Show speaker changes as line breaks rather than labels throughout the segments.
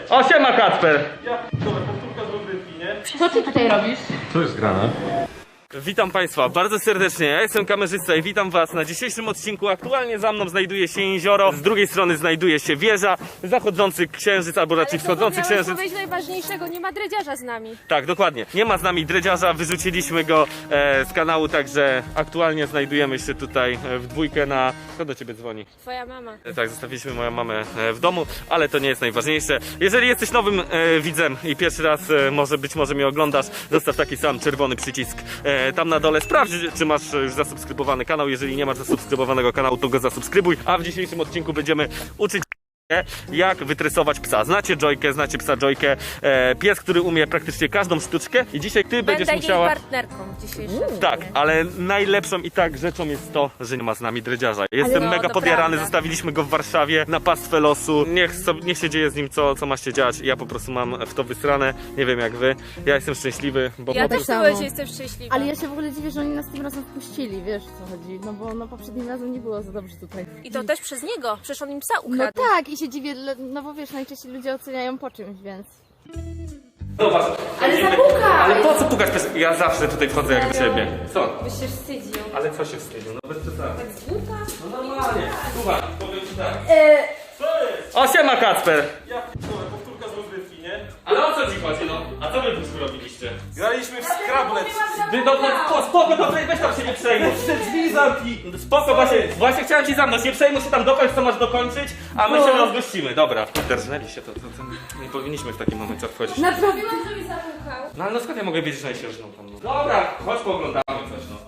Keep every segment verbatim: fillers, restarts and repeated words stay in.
O, siema Kacper!
Ja p***dolę, powtórka z rozrywki, nie?
Co ty tutaj robisz?
Co jest grane? Witam Państwa bardzo serdecznie, ja jestem kamerzysta i witam Was na dzisiejszym odcinku. Aktualnie za mną znajduje się jezioro, z drugiej strony znajduje się wieża, zachodzący księżyc, albo raczej wschodzący księżyc.
Ale najważniejszego, nie ma dredziarza z nami.
Tak, dokładnie. Nie ma z nami dredziarza, wyrzuciliśmy go e, z kanału, także aktualnie znajdujemy się tutaj e, w dwójkę na... Kto do Ciebie dzwoni?
Twoja mama.
E, tak, zostawiliśmy moją mamę e, w domu, ale to nie jest najważniejsze. Jeżeli jesteś nowym e, widzem i pierwszy raz e, może być może mnie oglądasz, zostaw taki sam czerwony przycisk e, tam na dole. Sprawdź, czy masz już zasubskrybowany kanał. Jeżeli nie masz zasubskrybowanego kanału, to go zasubskrybuj. A w dzisiejszym odcinku będziemy uczyć jak wytresować psa. Znacie Joykę, znacie psa Joykę. E, pies, który umie praktycznie każdą sztuczkę i dzisiaj ty
Będę
będziesz
jej
musiała...
partnerką dzisiejszej.
Tak, ale najlepszą i tak rzeczą jest to, że nie ma z nami dredziarza. Jestem
no,
mega
to
podjarany,
prawda.
Zostawiliśmy go w Warszawie na pastwę losu. Niech, so, niech się dzieje z nim co, co ma się dziać. Ja po prostu mam w to wysrane. Nie wiem jak wy. Ja jestem szczęśliwy, bo
Ja
po
też
prostu...
samo.
byłem, że jestem szczęśliwa.
Ale ja się w ogóle dziwię, że oni nas tym razem wpuścili, wiesz co chodzi, no bo no poprzednim razem nie było za dobrze tutaj.
I to też przez niego, przecież on im psa
No
ukradł.
tak, i się dziwię, no bo wiesz, najczęściej ludzie oceniają po czymś, więc...
Zobacz,
Ale
chodzimy-
zapukaj!
Ale po co pukać? Pies? Ja zawsze tutaj wchodzę jak do siebie. Co?
Byś się wstydził.
Ale co się wstydził? No bez przesady.
Tak z buta?
No normalnie. Słuchaj, powiem ci tak.
Eee,
Co jest?
O, siema Kacper!
Ja p***dolę, powtórka z rozrywki, nie?
Ale o co ci chodzi, no? A co wy tu robiliście?
Graliśmy w Scrabble.
Ty, no, no, no, spoko, to weź tam się nie przejmuj.
Te drzwi zamknij.
Spoko, właśnie, właśnie chciałem ci zamknąć, nie przejmuj się tam dokończ, co masz dokończyć, a my się rozgościmy, dobra. Derżnęli się, to, to, to nie powinniśmy w takim momencie wchodzić.
naprawdę.
Mówiłam, że mi zapukał.
No ale no skąd ja mogę wiedzieć, że najświeższą tam, no? Dobra, chodź pooglądamy coś, no.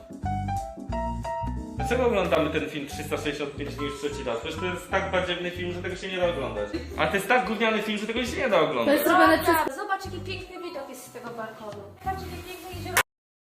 Dlaczego oglądamy ten film trzysta sześćdziesiąt pięć dni już trzeci raz? Przecież to jest tak badziewny film, że tego się nie da oglądać. A to jest tak gówniany film, że tego się nie da
To
oglądać.
jest robione przez...
Zobacz, jaki piękny widok jest z tego balkonu. Patrz, jakie piękne jezioro.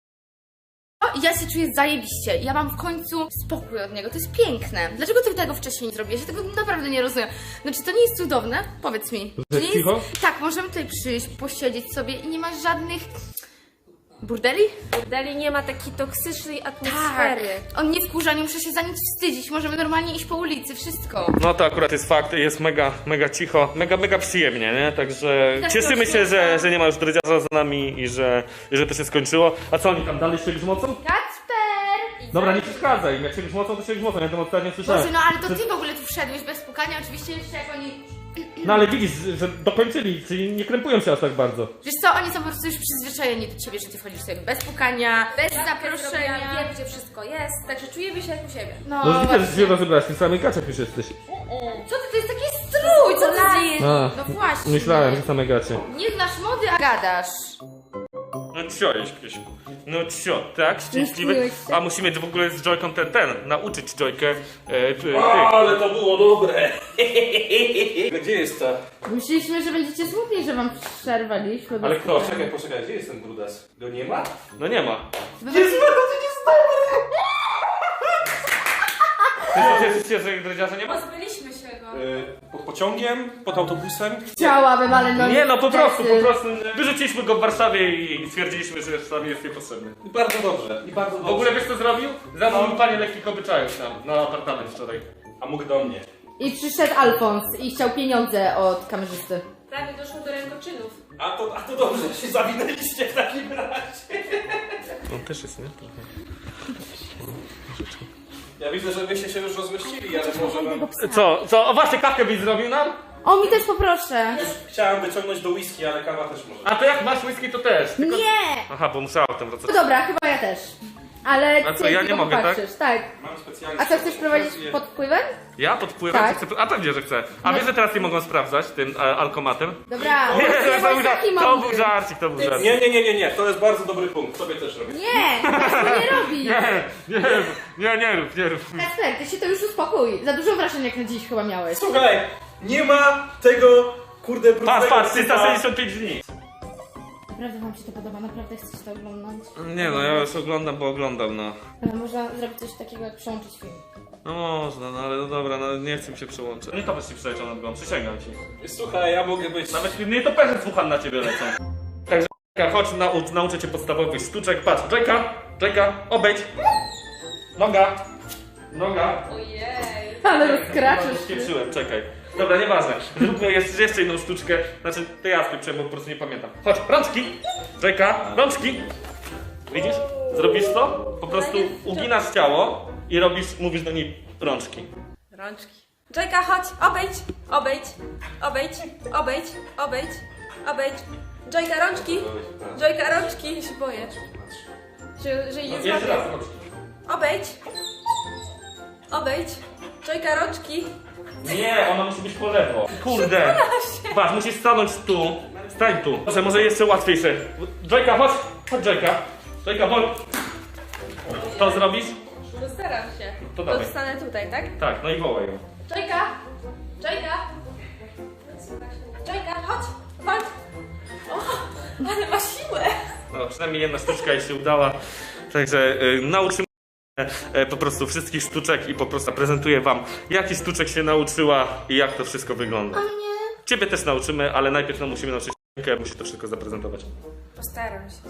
Ja się czuję zajebiście, ja mam w końcu spokój od niego, to jest piękne. Dlaczego ty tego wcześniej nie zrobiłeś? Ja tego naprawdę nie rozumiem. Znaczy, to nie jest cudowne? Powiedz mi.
Że
nie
cicho?
jest... Tak, możemy tutaj przyjść, posiedzieć sobie i nie ma żadnych... Burdeli?
Dali nie ma takiej toksycznej
Tak.
atmosfery.
On nie wkurza, nie muszę się za nic wstydzić, możemy normalnie iść po ulicy, wszystko.
No to akurat jest fakt, jest mega, mega cicho, mega, mega przyjemnie, nie? Także
Tak,
cieszymy się, że, że nie ma już dredziarza z nami i że, i że to się skończyło. A co oni tam dalej się grzmocą?
Kacper!
Dobra, nie przeszkadzaj, jak się grzmocą, to się grzmocą, ja to ostatnio słyszałem.
Boże, no ale to ty w ogóle tu wszedłeś bez pukania, oczywiście jeszcze jak oni...
No ale widzisz, że dokończyli, czyli nie krępują się aż tak bardzo.
Wiesz co, oni są po prostu już przyzwyczajeni do ciebie, że ty wchodzisz sobie bez pukania, bez
Ja
zaproszenia.
wiem, gdzie wszystko jest, także czujemy się jak u siebie.
No,
No widzę, że
właśnie.
się rozebrać, tym samym kaczek już jesteś.
Co ty, to jest taki strój, co ty dzieje?
A,
No właśnie.
myślałem, że same gacie.
Nie znasz mody, a gadasz.
No cio, Krzysiu. No cio, tak? Szczęśliwy.
Myśliłeś się?
A musimy w ogóle z Joyką ten, ten, nauczyć Joykę. E, ty,
Ale to było dobre. Gdzie jest ta?
Myśleliśmy, że będziecie smutni, że wam przerwaliśmy.
Ale kto?
Poczekaj, poczekaj, gdzie jest ten brudas? Go nie ma?
No nie ma.
Jest, no to nie stary!
Ty cieszysz się, że dredziarza nie ma?
Pozbyliśmy się go.
Pod pociągiem, pod autobusem.
Chciałabym, ale no
Nie no, po prostu, po
niestety.
prostu wyrzuciliśmy go w Warszawie i stwierdziliśmy, że Warszawie jest niepotrzebny.
I bardzo dobrze, i bardzo
W
dobrze.
ogóle wiesz co zrobił? Zamówił panie lekkich obyczajów tam, na apartament wczoraj.
A mógł do mnie.
I przyszedł Alfons i chciał pieniądze od kamerzysty.
Prawie doszło do rękoczynów.
A to, a to dobrze, że się zawinęliście w takim razie.
On też jest, nie?
Ja widzę, że wyście się już rozmyślili, ale może wam...
Co, co? O właśnie, kawkę byś zrobił nam?
O, mi też poproszę.
Chciałem wyciągnąć do whisky, ale kawa też może.
A to jak masz whisky to też. Tylko...
Nie!
Aha, bo muszę autem wracać.
No dobra, chyba ja też. Ale
A co,
ty
ja
tylko
nie mogę, tak?
popatrzysz, tak?
Mam specjalnie...
A co, chcesz prowadzić pod wpływem?
Ja podpływam?
Tak.
Chcę... A pewnie, że chcę. A wiesz, że teraz nie mogą sprawdzać tym e, alkomatem?
Dobra,
Nie,
nie
to, był,
bądź taki
żart, to
mądry.
był żarcik, to był żarcik.
Nie, nie, nie, nie, nie, to jest bardzo dobry punkt, tobie też robię.
Nie, tak to nie robi.
Nie, nie, nie, nie rób, nie rób.
Kacper, ty się to już uspokój. Za dużo wrażeń jak na dziś chyba miałeś.
Słuchaj, nie ma tego, kurde,
Patrz,
brudnego
patrz,
sypa.
trzysta sześćdziesiąt pięć dni.
Naprawdę wam się to podoba, naprawdę chcecie to oglądać.
Nie no, ja już oglądam, bo oglądam, no.
Ale można zrobić coś takiego jak przełączyć film.
No można, no ale no dobra, no nie chcę mi się przełączyć. Nie to byś ci przeleciał nad głową, przysięgam ci.
Słuchaj, ja mogę być...
Nawet nie to perze słucham na ciebie lecą. Także chodź, naucz, nauczę cię podstawowych sztuczek. Patrz, czeka, czeka, obejdź. Noga, noga.
Ojej.
Ale rozkraczysz się.
Spieprzyłem, czekaj. Dobra, nieważne. Zróbmy jeszcze, jeszcze jedną sztuczkę. Znaczy, to ja skrypczę, bo po prostu nie pamiętam. Chodź, rączki! Jajka, rączki! Widzisz? Zrobisz to? Po prostu uginasz ciało i robisz, mówisz do niej rączki.
Rączki. Jajka, chodź, obejdź, obejdź, obejdź, obejdź, obejdź, obejdź. Jajka, rączki. Jajka, rączki. Ja się boję. Że, że jej nie
Jeszcze
złapię.
raz, rączki.
Obejdź. Obejdź. Jajka, rączki.
Nie, ona musi być po lewo. Kurde. Patrz, musisz stanąć tu. Stań tu. Może, może jeszcze łatwiejsze. Jajka, chodź. Chodź, Jajka. Jajka, chodź. To zrobisz?
No staram się.
To dawaj.
stanę tutaj, tak?
Tak, no i wołaj ją.
Jajka. Jajka. Jajka, chodź. Chodź. O, ale ma siłę.
No, przynajmniej jedna sztuczka jej się udała. Także y, nauczymy y, po prostu wszystkich sztuczek i po prostu prezentuję wam, jaki sztuczek się nauczyła i jak to wszystko wygląda.
A mnie?
Ciebie też nauczymy, ale najpierw no, musimy nauczyć jak musi to wszystko zaprezentować.
Postaram się.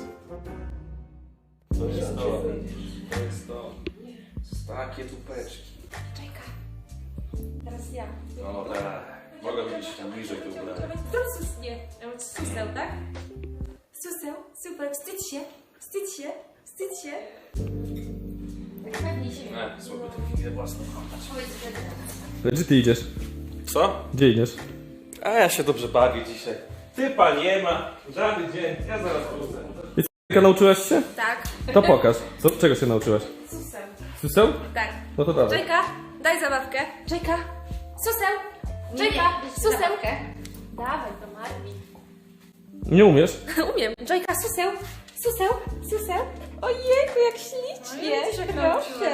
Co się stało? To jest to. Takie tupeczki.
Jajka. Teraz ja.
No tak. Mogę być tam bliżej tu ubrać.
To sus, nie. Suseł, tak? Suseł, super, wstydź się, wstydź się, wstydź się. Tak pewnie się.
Nie, słaby to chwilę własną.
Gdzie ty idziesz?
Co?
Gdzie idziesz?
A ja się dobrze bawię dzisiaj. Typa nie ma. Żaden dzień. Ja zaraz wrócę.
Jaka nauczyłaś się?
Tak.
To pokaż. Co, czego się nauczyłaś?
Suseł.
Suseł?
Tak.
No to dawaj.
Jajka, daj zabawkę. Jajka, suseł. Jajka, suseł. Dawaj to Marmi.
Nie umiesz?
Umiem. Jajka, suseł, suseł, suseł. Ojejku, jak ślicznie. Proszę.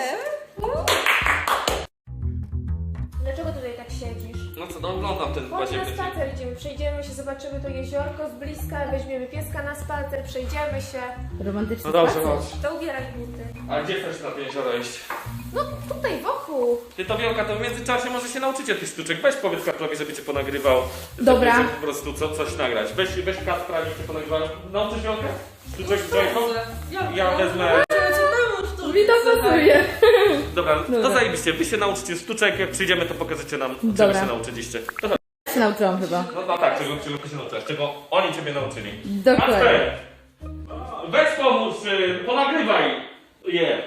Dlaczego tutaj tak siedzisz?
No co, no oglądam ten
Chodź na spacer idziemy, przejdziemy się, zobaczymy to jeziorko z bliska, weźmiemy pieska na spacer, przejdziemy się.
Romantyczny
No dobrze,
spacer.
chodź.
To ubieraj buty.
A gdzie chcesz na to jezioro iść?
No tutaj wokół.
Ty to Wielka, to w międzyczasie może się nauczycie tych sztuczek. Weź powiedz Kasprowi, żeby cię ponagrywał.
Dobra.
Żeby po prostu co, coś nagrać. Weź, weź Kaspra, niech cię ponagrywa. Nauczysz Wielkę? Sztuczek z Jajką? Ja wezmę...
Mi to pasuje.
Dobra, to zajebiście. Wy się nauczycie sztuczek, jak przyjdziemy to pokażecie nam, czego
Dobra.
się nauczyliście. To chodź.
Się nauczyłam chyba.
No, no tak, czego, czego ty się nauczyłaś, czego oni ciebie nauczyli.
Dokładnie.
Kasper, weź pomóż, y, ponagrywaj je.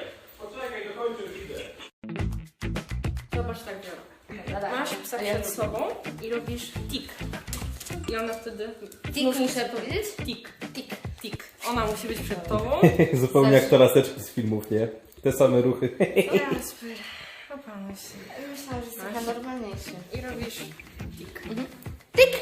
Zobacz tak, Wiora. Masz psa przed sobą i robisz tik. I ona wtedy...
Tik muszę powiedzieć?
Tik, tik, tik. Ona musi być przed tobą.
Zupełnie jak to laseczki z filmów, nie? Te same ruchy.
Jasper, opanuj się.
Myślałam, że jest trochę normalniejszy.
I robisz tik.
Tik!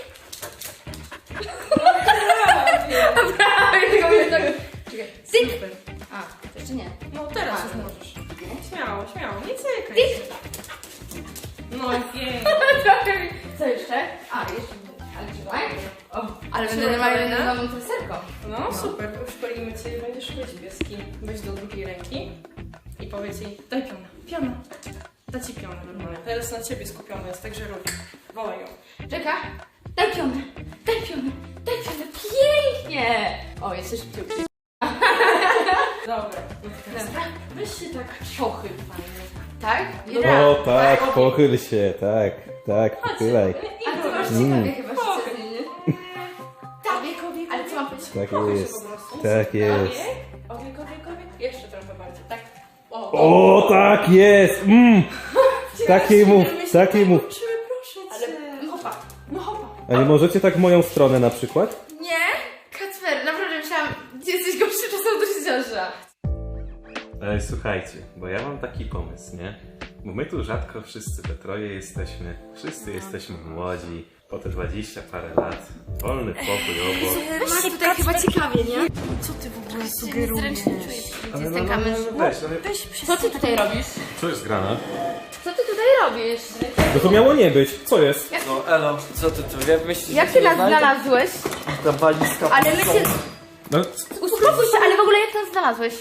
Tik!
Super.
A, to jeszcze nie.
No teraz już możesz. Śmiało, śmiało, nie cykaj się. No pięknie.
Trochę mi... Co jeszcze? A, jeszcze... Ale trzymaj. O, ale będę normalnie
Przygotowana?
nową treserką.
No super, szkolimy cię i będziesz szkolić pieski. Weź do drugiej ręki i powiedz jej, daj piona, piona. Da ci pionę normalnie. Teraz na ciebie skupiony jest, także rób. Wołaj ją.
Czeka. Daj pionę, daj pionę, daj pionę. Pięknie! O, jeszcze szybciej.
Dobra, no teraz
Dobra.
weź się tak
Pochyl fajnie. Tak? I
O
raz.
tak, pochyl się, tak, tak, pochylaj.
A ty masz
Mm.
ciekawie chyba szczerze, nie?
Obieg, obieg,
Ale co mam powiedzieć?
Tak
Pochyl się
jest,
po prostu.
tak jest.
Obieg, obieg, obieg. Jeszcze trochę bardziej, tak. O,
O, tak jest! Mm. Takiej mów, takiej mów.
Uczymy, proszę cię.
Ale hopa.
No hopa.
A nie możecie tak w moją stronę na przykład?
Nie? Kacper, naprawdę myślałam, gdzie jesteś gorszy czasem do życiorza.
Ej, słuchajcie, bo ja mam taki pomysł, nie? Bo my tu rzadko wszyscy we troje jesteśmy, wszyscy jesteśmy młodzi, po te dwadzieścia parę lat, wolny pokój obok.
Masz tutaj chyba ciekawie, nie?
Co ty w ogóle
Zręcznie czuję, gdzie jest ten
no,
kamerz.
weź, ale
Co ty tutaj robisz?
co jest grane?
Co ty tutaj robisz?
No to miało nie być, co jest?
No elo, co ty tu, ja myślisz,
Jak
że
ty
nie
nas
znajdę?
znalazłeś?
Ta walizka
Ale my się...
No,
Uspokój się, ale w ogóle jak nas znalazłeś?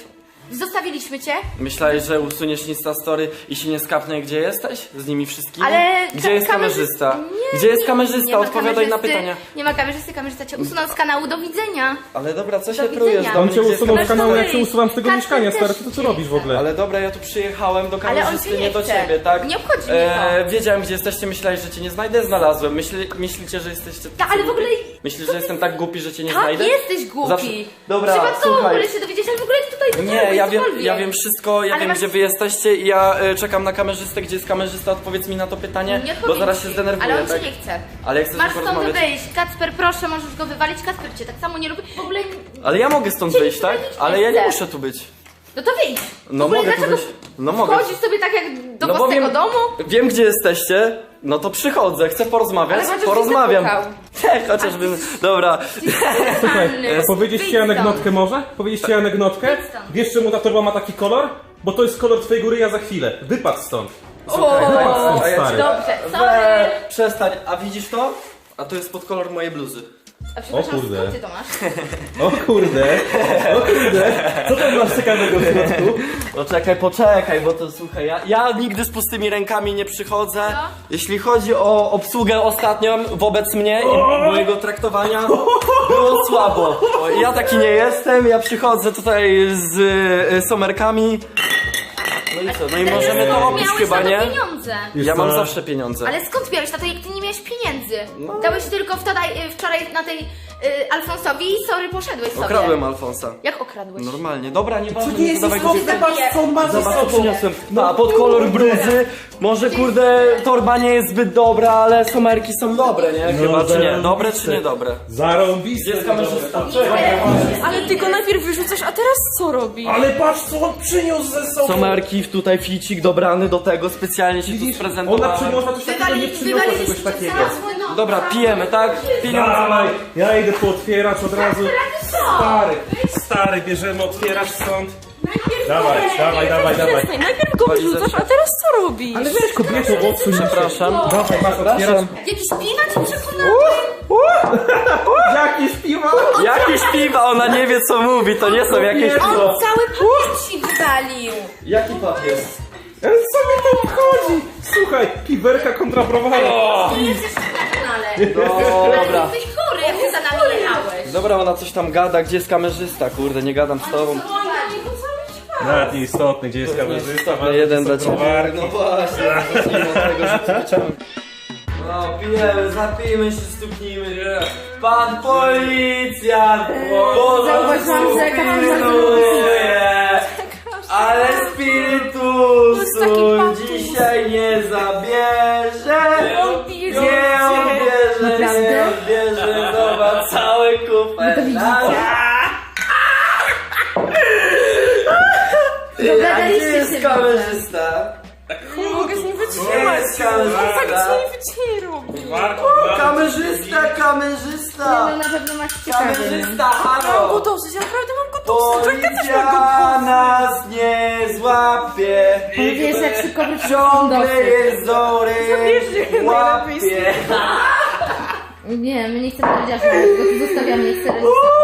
Zostawiliśmy cię.
Myślałeś, że usuniesz Insta Story i się nie skapnę, gdzie jesteś? Z nimi wszystkimi?
Ale
Gdzie
ka-
jest
kamerzysta-
kamerzysta?
Nie,
Gdzie jest
nie,
kamerzysta?
nie ma
Odpowiadaj na
kamerzysty.
pytania.
Nie ma kamerzysty, kamerzysta cię usunął z kanału, do widzenia.
Ale dobra, co się
widzenia.
prujesz do
On
mnie?
cię
Gdzie jest
usunął z
kamerzysta?
kanału, jak cię
Kamerzysta.
usuwam z tego
Kacper
mieszkania, stary,
też
co ty
nie
robisz w ogóle?
Ale dobra, ja tu przyjechałem do
Ale on
kamerzysty,
cię
nie
nie
do
chce.
ciebie, tak?
Nie obchodzi mnie to.
Wiedziałem, gdzie jesteście, myślałeś, że cię nie znajdę, znalazłem. Myśli, myślicie, że jesteście...
Ta, ale w ogóle-
Myślisz, że jestem tak głupi, że cię nie
Tak,
znajdę?
jesteś głupi.
Zawsze- Dobra,
Przypadkowo w
słuchaj.
ogóle się dowiedzieć, ale w ogóle tutaj do
Nie, ja wiem, ja wiem wszystko, ja
Ale
wiem
masz-
gdzie wy jesteście i ja y, czekam na kamerzystę, gdzie jest kamerzysta, odpowiedz mi na to pytanie,
Nie
bo
odpowiedzi
zaraz się
ci.
zdenerwuję,
Ale on
tak?
cię nie chce.
Ale jak chcesz
Masz
tylko
stąd
rozmawiać...
wyjść. Kacper, proszę, możesz go wywalić. Kacper cię tak samo nie lubi. W ogóle...
Ale ja mogę stąd
Cię
wyjść, tak?
nikt nie
Ale ja nie
chce.
muszę tu być.
No to wyjdź.
No
w ogóle
mogę tu
dlaczego
wyjść. No mogę.
wchodzisz sobie tak jak do
No bo
własnego
wiem-
domu?
Wiem gdzie jesteście, no to przychodzę, chcę porozmawiać,
Ale chociaż
porozmawiam.
byś
Nie, chociażbym... Dobra.
Słuchaj,
Normalny.
powiedzieć
Wyjdź
ci
stąd.
anegdotkę może? Powiedzieć ci anegdotkę?
Wyjdź stąd.
Wiesz czemu ta torba ma taki kolor? Bo to jest kolor twojego ryja za chwilę. Wypadł stąd.
O,
Wypadł
a ja
stąd,
ci-
stary.
dobrze,
We,
sorry.
przestań, a widzisz to? A to jest pod kolor mojej bluzy.
A przepraszam,
O kurde.
skąd ty to masz?
O kurde, o kurde. Co tam masz ciekawego w środku?
Poczekaj, poczekaj, bo to słuchaj, ja, ja nigdy z pustymi rękami nie przychodzę.
No.
Jeśli chodzi o obsługę ostatnią wobec mnie i mojego traktowania, było słabo. O, ja taki nie jestem, ja przychodzę tutaj z y, somerkami. No i co, no i możemy to robić
Miałeś
chyba,
na to
nie?
pieniądze.
Ja mam
co?
zawsze pieniądze.
Ale skąd miałeś na to, jak ty nie miałeś pieniędzy?
No.
Dałeś tylko wczoraj, y, wczoraj na tej y, Alfonsowi i sorry, poszedłeś sobie.
Okradłem Alfonsa.
Jak okradłeś?
Normalnie, dobra, nie ważne,
Nie
nie
jest
zadawaj
istotne,
głupich-
patrz co on ma ze
Zobacz co
sobą.
przyniosłem. A pod kolor bluzy. Może kurde torba nie jest zbyt dobra, ale somerki są dobre, nie? Chyba czy nie? Dobre czy niedobre?
Zarąbiste.
Jest kamerzysta.
Ale ty go najpierw wyrzucasz, a teraz co robi?
Ale patrz co on przyniósł ze sobą.
Somerki, tutaj ficik dobrany do tego, specjalnie się tu
Widzisz, ona
sprezentowała.
przyniosła coś takiego, nie przyniosła
wywaliliście
czegoś takiego.
zaraz mój nos.
Dobra, pijemy, tak? Pieniądze
Dawaj,
mam.
ja idę tu otwierać od razu. Stary, stary, bierzemy, otwierasz stąd. Dawaj, dawaj, dawaj, dawaj.
Przestań, najpierw go wyrzucasz, a teraz co robisz?
Ale weź kobieto, odsuń się.
Przepraszam.
Dawaj, masz, otwieram.
Jakiś piwa cię przekonał?
Jakie śpiwa?
Jakieś piwa, ona nie wie co mówi, to nie są jakieś
On
piwo.
cały pakiet ci wywalił.
Jaki papier?
Ale co mi to obchodzi? Słuchaj, piwerka kontra browara.
Ty jesteś na kanale.
Dobra.
Ale jesteś chory, jak ty za nami jechałeś.
Dobra, ona coś tam gada, gdzie jest kamerzysta? Kurde, nie gadam z tobą.
Nawet nieistotny, gdzie jest kamerzysta.
No jeden dla ciebie. No właśnie, zacznijmy od tego, że ty wyciągnął. No, pijemy, zapijmy się, stuknijmy. Pan policjant!
Zauważyłam, że
pilnuje, ale spiritusu
taki patus.
dzisiaj nie zabierze.
bierze.
Nie odbierze, nie odbierze. Zobacz, cały kupę. A gdzie jest kamerzysta?
Nie mogę z nim
Nie
wytrzymać.
jest
Tak
kamerzysta.
co nie robi.
Kamerzysta, kamerzysta!
No na pewno masz ciekawy.
Kamerzysta,
Mam go
halo!
dosyć, naprawdę mam go dosyć. Joyka też ma go
Policja
dosyć.
nas nie złapie!
Wiesz, jak szybko
Ciągle jest zory
Zabierzcie
w łapie!
Nie, my nie chcemy powiedzieć, że go tu zostawiamy, nie chcemy.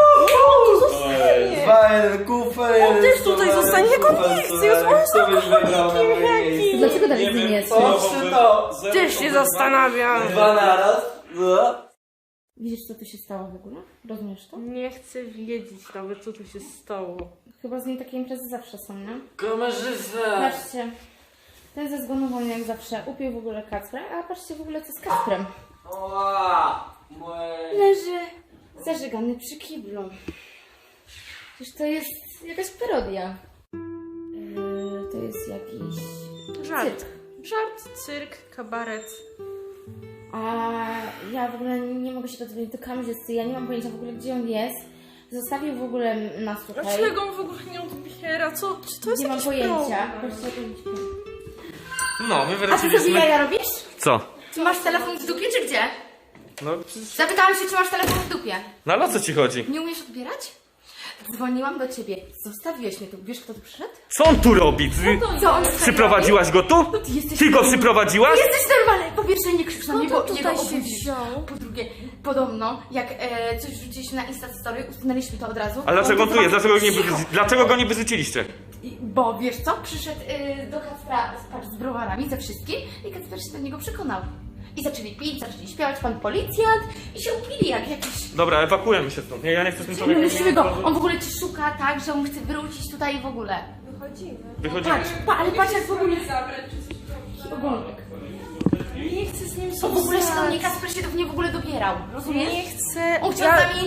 Dwa jeden kufer,
On też tutaj zostanie, jak on nie chce, jest on
Kto byś wygrał na moim miejscu?
Dlaczego dalej z nim jest?
Oczy to!
Też się zastanawiam.
Dwa naraz? No.
Widzisz, co tu się stało w ogóle? Rozumiesz to?
Nie chcę wiedzieć nawet, co tu się stało.
Chyba z nim takie imprezy zawsze są, nie?
Kamerzysta!
Patrzcie. Ten ze zgonu wolny jak zawsze upił w ogóle Kacpra, a patrzcie w ogóle co z Kacprem.
Oła! Moje...
Leży zażygany przy kiblu. Przecież to jest jakaś parodia. Yy, to jest jakiś
Żart.
cyrk.
Żart, cyrk, kabaret.
A ja w ogóle nie mogę się dodzwonić do kamerzysty, ja nie mam pojęcia w ogóle gdzie on jest. Zostawił w ogóle nas tutaj.
Dlaczego on w ogóle nie odbiera? Co? Czy to jest
Nie mam
jakiś
pojęcia.
problem?
Patrzcie, jak on śpi.
No, my
A ty sobie
wróciliśmy.
jaja robisz?
Co?
Czy masz telefon w dupie, czy gdzie?
No, przecież...
Zapytałam się, czy masz telefon w dupie.
no ale o co ci chodzi?
Nie umiesz odbierać? dzwoniłam do ciebie, zostawiłeś mnie tu. Wiesz, kto tu przyszedł?
Co on tu robi? Ty,
Co on
przyprowadziłaś go tu?
ty jesteś
Ty go
normalny.
przyprowadziłaś?
Jesteś normalny! Po pierwsze, nie krzycz na mnie,
to
bo
tutaj
jego
się
obudzisz.
wziął?
Po drugie, podobno, jak e, coś rzuciliśmy na Insta Story, usunęliśmy to od razu.
Ale dlaczego on tu jest? Dlaczego go nie,
Cicho.
wy- dlaczego go nie wyrzuciliście?
I- Bo wiesz co? Przyszedł y, do Kacpra spać z browarami, ze wszystkim i Kacper się do niego przekonał. I zaczęli pić, zaczęli śpiewać, pan policjant i się upili jak jakiś...
Dobra, ewakuujemy się stąd. Nie, ja nie chcę z tym człowiekiem.
Musimy go, on w ogóle ci szuka tak, że on chce wrócić tutaj w ogóle.
Wychodzimy.
Wychodzimy.
Patrz, pa, ale patrz jak w ogóle... Ogonek.
Nie chcę z nim
On w ogóle się do mnie,
zostać.
Kacper się do mnie w ogóle dobierał, rozumiesz?
Nie chcę.
On chciał
Ja-
z nami...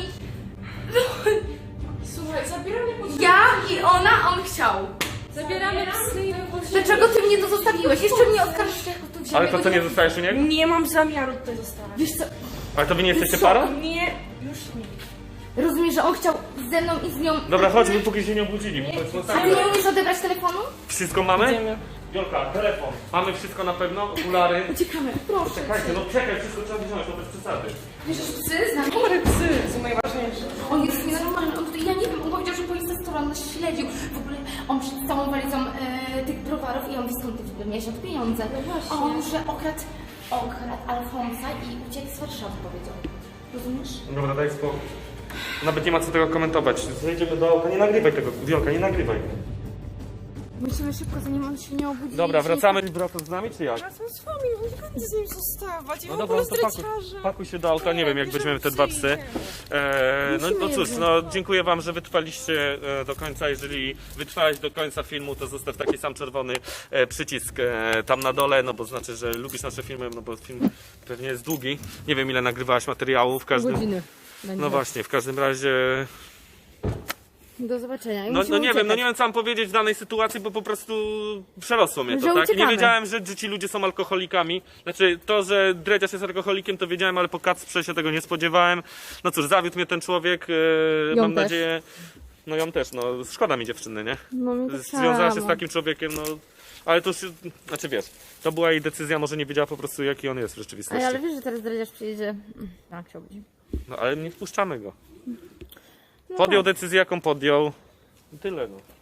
Słuchaj, zabieramy psy.
Ja i ona, on chciał.
Zabieramy psy i wychodzimy.
Dlaczego ty mnie to zostawiłeś? Jeszcze mnie oskarżysz, jak tu wziąłem.
Ale to co, nie zostajesz u niego?
Nie mam zamiaru tutaj zostawać.
Wiesz co,
Ale to wy nie jesteście
Co?
parą?
Nie, już nie.
rozumiesz, że on chciał ze mną i z nią...
Dobra, chodźmy, póki się nie obudzili. Bo to jest
A ty
masakra.
nie umiesz odebrać telefonu?
Wszystko mamy?
Idziemy.
Wiolka, telefon. Mamy wszystko na pewno? Okulary?
Uciekamy, proszę.
Czekajcie, no czekaj, wszystko trzeba wziąć, to bez przesady.
Wiesz, że psy z nami?
Chore psy są najważniejsze.
On jest nienormalny, on tutaj, ja nie wiem, on powiedział, że po Instastory on nas śledził. W ogóle on przed całą walizą e, tych browarów i on wie skąd ty w ogóle miałeś na to pieniądze. A on, że okradł, okradł Alfonsa i uciekł z Warszawy, powiedział. Rozumiesz?
Dobra, daj spokój. Nawet nie ma co tego komentować. Zejdziemy do auta, nie nagrywaj tego. Wiolka, nie nagrywaj.
Musimy szybko, zanim on się nie obudzi.
Dobra, wracamy. Wracasz z nami, czy jak?
Wracam z wami, nie będę z nim zostawać. Ja
No
w
dobra,
ogóle
no to pakuj,
zdradziarza.
pakuj się do auta, nie wiem jak
bierzemy
weźmiemy te
psy
dwa
i
psy.
idziemy.
Eee, no, no
Musimy
cóż,
je
no dziękuję wam, że wytrwaliście e, do końca. Jeżeli wytrwałeś do końca filmu, to zostaw taki sam czerwony e, przycisk e, tam na dole, no bo znaczy, że lubisz nasze filmy, no bo film pewnie jest długi. Nie wiem ile nagrywałaś materiału, w każdym...
Godziny.
No właśnie, w każdym razie...
Do zobaczenia.
No, no nie wiem, no nie wiem co mam powiedzieć w danej sytuacji, bo po prostu przerosło mnie to,
Że
tak? I nie
uciekamy.
wiedziałem, że, że ci ludzie są alkoholikami. Znaczy to, że Dredziarz jest alkoholikiem, to wiedziałem, ale po Kacprze się tego nie spodziewałem. No cóż, zawiódł mnie ten człowiek, e,
Ją
mam
też.
nadzieję... No ją też, no szkoda mi dziewczyny, nie?
No mi tak
Związała się z
samo.
takim człowiekiem, no... Ale to już, znaczy wiesz, to była jej decyzja, może nie wiedziała po prostu jaki on jest w rzeczywistości.
Ej, ale wiesz, że teraz Dredziarz przyjedzie. Tak, się obudzi.
No ale nie wpuszczamy go. Podjął decyzję jaką podjął. I tyle no.